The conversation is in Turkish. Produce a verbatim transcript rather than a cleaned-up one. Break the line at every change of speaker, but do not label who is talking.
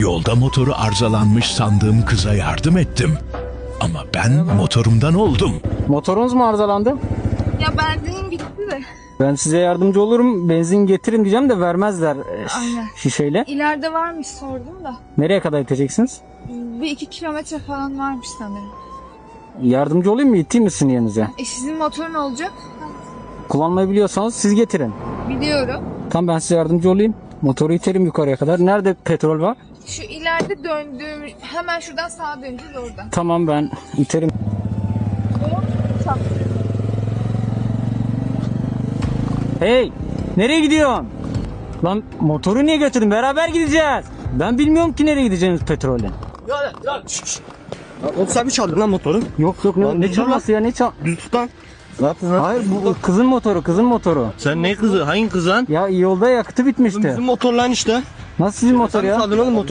Yolda motoru arızalanmış sandığım kıza yardım ettim. Ama ben motorumdan oldum.
Motorunuz mu arızalandı?
Ya benzinim bitti de.
Ben size yardımcı olurum. Benzin getirin diyeceğim de vermezler e,
Aynen.
şişeyle.
İleride varmış sordum da.
Nereye kadar iteceksiniz?
Bir iki kilometre falan varmış sanırım.
Yardımcı olayım mı? İteyim mi sizin yerinize?
E sizin motor ne olacak?
Kullanmayı biliyorsanız siz getirin.
Biliyorum.
Tamam, ben size yardımcı olayım. Motoru iterim yukarıya kadar. Nerede petrol var?
Şu ileride döndüğüm, hemen şuradan sağa döneceğiz oradan.
Tamam, ben iterim. Hey! Nereye gidiyorsun? Lan motoru niye götürdün? Beraber gideceğiz. Ben bilmiyorum ki nereye gideceğiniz petrolle.
Ya ya şşş şşş. Oğlum sen mi çaldın lan motoru?
Yok yok, ne,
Lan
ne
dur
çalması ya, ne çal...
Düz tut lan. Ne yaptın lan?
Hayır, bu kızın motoru, kızın motoru.
Sen ne kızı? Hangi kız lan?
Ya yolda yakıtı bitmişti.
Bizim motor lan işte.
Nasıl sizin motor
Sen mi
ya?
çaldın oğlum motoru?